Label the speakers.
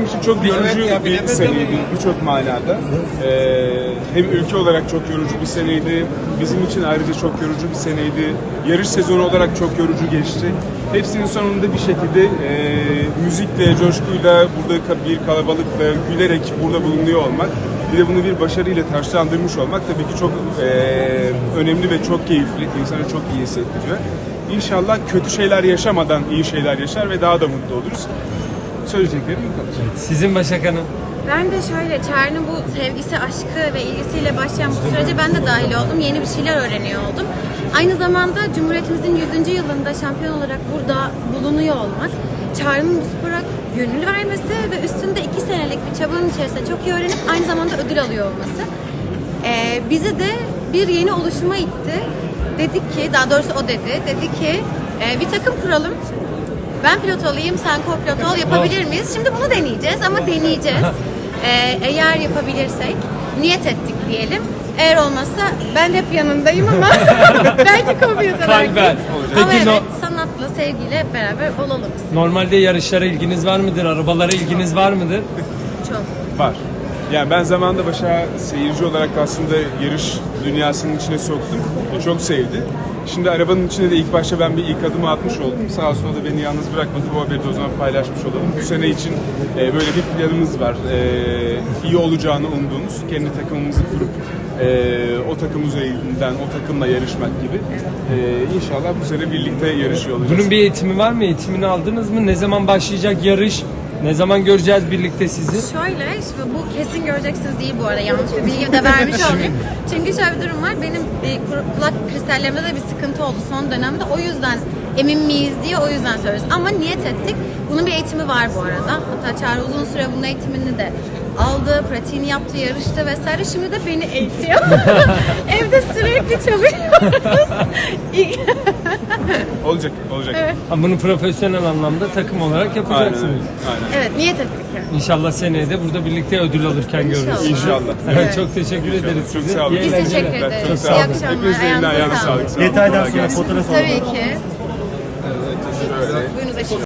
Speaker 1: için çok yorucu bir seneydi birçok manada. Hem ülke olarak çok yorucu bir seneydi, bizim için ayrıca çok yorucu bir seneydi. Yarış sezonu olarak çok yorucu geçti. Hepsinin sonunda bir şekilde müzikle, coşkuyla, burada bir kalabalıkla, gülerek burada bulunuyor olmak, bir de bunu bir başarıyla taşlandırmış olmak tabii ki çok önemli ve çok keyifli, insana çok iyi hissettiriyor. İnşallah kötü şeyler yaşamadan iyi şeyler yaşar ve daha da mutlu oluruz. Söyleyeceklerim bu kadar.
Speaker 2: Sizin Başak Hanım?
Speaker 3: Ben de şöyle, Çağrı'nın bu sevgisi, aşkı ve ilgisiyle başlayan bu sürece ben de dahil oldum. Yeni bir şeyler öğreniyor oldum. Aynı zamanda Cumhuriyetimizin 100. yılında şampiyon olarak burada bulunuyor olmak, Çağrı'nın bu spora gönül vermesi ve üstünde 2 senelik bir çabanın içerisinde çok iyi öğrenip aynı zamanda ödül alıyor olması bizi de bir yeni oluşuma itti. Dedik ki, daha doğrusu o dedi ki bir takım kuralım. Ben pilot olayım, sen co-pilot ol, yapabilir miyiz? Şimdi bunu deneyeceğiz ama deneyeceğiz. Eğer yapabilirsek, niyet ettik diyelim. Eğer olmazsa ben hep yanındayım ama belki co-pilot olarak.
Speaker 2: Kalben.
Speaker 3: Ama
Speaker 2: Peki
Speaker 3: evet, sanatla, sevgiyle hep beraber olalım.
Speaker 2: normalde yarışlara ilginiz var mıdır? Arabalara ilginiz var mıdır?
Speaker 3: Çok.
Speaker 1: Var. Yani ben zamanında Başak'ı seyirci olarak aslında yarış dünyasının içine soktum. O çok sevdi. Şimdi arabanın içine de ilk başta ben bir ilk adımı atmış oldum. Sağ olsun o da beni yalnız bırakmadı. Bu haberi de o zaman paylaşmış olalım. Bu sene için böyle bir planımız var. İyi olacağını umduğumuz, kendi takımımızı kurup o takım üzerinden o takımla yarışmak gibi. İnşallah bu sene birlikte yarışıyor olacağız.
Speaker 2: Bunun bir eğitimi var mı? Eğitimini aldınız mı? Ne zaman başlayacak yarış? Ne zaman göreceğiz birlikte sizi?
Speaker 3: Şöyle, şimdi bu kesin göreceksiniz değil bu arada, yanlış bir bilgi de vermiş olayım. Çünkü şöyle bir durum var, benim kulak kristallerimde de bir sıkıntı oldu son dönemde. O yüzden emin miyiz diye o yüzden söylüyoruz. Ama niyet ettik. Bunun bir eğitimi var bu arada. Hatta Çağrı uzun süre bunun eğitimini de aldı, pratiğini yaptı, yarıştı vesaire. Şimdi de beni eğitiyor. Evde sürekli çalıyoruz.
Speaker 1: Olacak.
Speaker 3: Evet.
Speaker 2: Ama bunu profesyonel anlamda takım olarak yapacaksınız.
Speaker 1: Aynen.
Speaker 3: Evet, niyet ettik yani.
Speaker 2: İnşallah seneye de burada birlikte ödül alırken görürüz.
Speaker 1: İnşallah.
Speaker 2: Evet, çok teşekkür ederiz
Speaker 1: Çok
Speaker 2: size.
Speaker 1: sağ olun.
Speaker 2: İyi
Speaker 3: Biz
Speaker 2: eğlenceler.
Speaker 3: teşekkür ederiz.
Speaker 1: Çok sağ
Speaker 3: İyi
Speaker 1: olun.
Speaker 3: akşamlar.
Speaker 1: Hepinizin eline ayağına sağlık. Sağ olun.
Speaker 4: Detaydan
Speaker 1: Kolay
Speaker 4: sonra
Speaker 1: gelsin.
Speaker 4: fotoğraf alalım.
Speaker 3: Tabii ki.